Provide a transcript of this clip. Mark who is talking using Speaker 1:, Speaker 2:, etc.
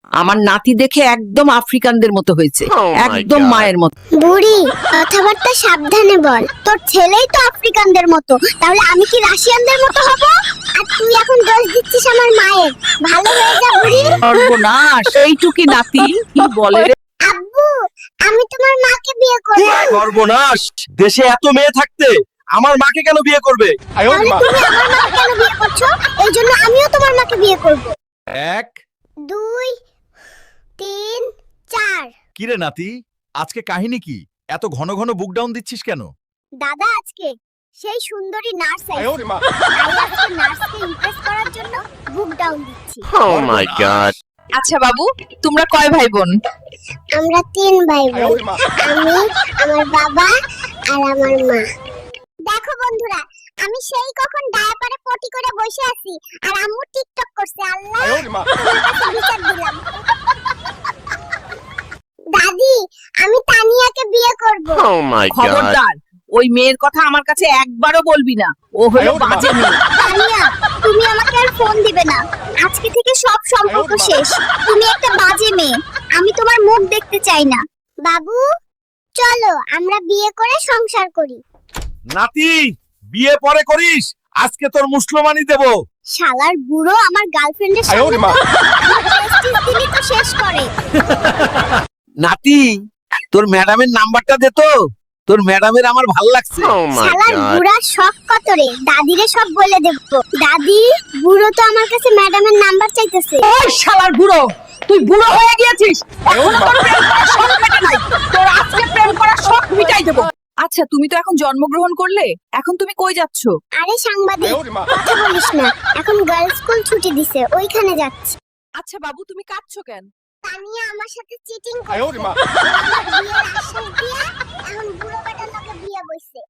Speaker 1: আমার নাতি দেখে একদম আফ্রিকানদের মতো হয়েছে, একদম মায়ের মতো।
Speaker 2: বুড়ি, কথাবার্তা সাবধানে বল। তোর ছেলেই তো আফ্রিকানদের মতো, তাহলে আমি কি রাশিয়ানদের মতো হব? আর তুই এখন দোষ দিচ্ছিস আমার মায়ের। ভালো হয়ে যা বুড়ি।
Speaker 1: সর্বনাশ, এইটুকি নাতি কি বলে রে?
Speaker 2: আব্বু, আমি তোমার মাকে বিয়ে করব।
Speaker 3: সর্বনাশ, দেশে এত মেয়ে থাকতে আমার মাকে কেন বিয়ে করবে?
Speaker 2: তাহলে তুমি আমার মাকে কেন বিয়ে করছো? এই জন্য আমিও তোমার মাকে বিয়ে করব।
Speaker 3: 1
Speaker 2: 2 3 4।
Speaker 3: কিরে নাতি, আজকে কাহিনী কি? এত ঘন ঘন বুক ডাউন দিচ্ছিস কেন?
Speaker 2: দাদা, আজকে সেই সুন্দরী নার্স আইছে। তাই আজকে নার্সকে ইমপ্রেস করার জন্য বুক ডাউন দিচ্ছি।
Speaker 4: Oh my god.
Speaker 5: আচ্ছা বাবু, তোমরা কয় ভাই বোন?
Speaker 2: আমরা 3 ভাই বোন। আমি, আমার বাবা আর আমার মা। দেখো বন্ধুরা, আমি সেই কখন ডায়াপারে পটি করে বসে আছি আর আম্মু টিকটক করছে। আল্লাহ, তোমার কাছে বিচার দিলাম। দাদি, আমি তানিয়াকে বিয়ে করব।
Speaker 4: Oh my god.
Speaker 1: খবরদার, ওই মেয়ের কথা আমার কাছে একবারও বলবি না। ও হলো বাজে মেয়ে।
Speaker 2: তানিয়া, তুমি আমাকে আর ফোন দিবে না। আজকে থেকে সব সম্পর্ক শেষ। তুমি একটা বাজে মেয়ে। আমি তোমার মুখ দেখতে চাই না। বাবু, চলো আমরা বিয়ে করে সংসার করি।
Speaker 3: নাতি, বিয়ে পরে করিস, আজকে তোর মুসলমানি দেব।
Speaker 2: শালার বুড়ো আমার গার্লফ্রেন্ডের সামনে তো আমার প্রেস্টিজ দিলি তো শেষ করে।
Speaker 6: নাতি, তোর ম্যাডামের নাম্বারটা দে তো, তোর ম্যাডামের আমার ভাল লাগছে।
Speaker 4: Oh my
Speaker 2: শালার
Speaker 4: god.
Speaker 2: বুড়ার শখ কত রে, দাদিরে সব বলে দেব। দাদি, বুড়ো তো আমার কাছে ম্যাডামের নাম্বার চাইতেছে।
Speaker 1: ওই শালার বুড়ো, তুই বুড়ো হয়ে গিয়েছিস। এখনো তোর প্রেম করার শখ মেটে নাই। তোর আজকে প্রেম করার শখ মিটাই দেব।
Speaker 5: আচ্ছা, তুমি তো এখন জন্মগ্রহণ করলে, এখন তুমি কই যাচ্ছ?
Speaker 2: আরে সাংবাদিক, কথা বলিস না। এখন গার্লস স্কুল ছুটি দিছে, ওইখানে যাচ্ছি।
Speaker 5: আচ্ছা বাবু, তুমি কাঁদছো কেন?
Speaker 2: তানিয়া আমার সাথে চিটিং করছে। ও আমার বিয়ের আশ্বাস দিয়ে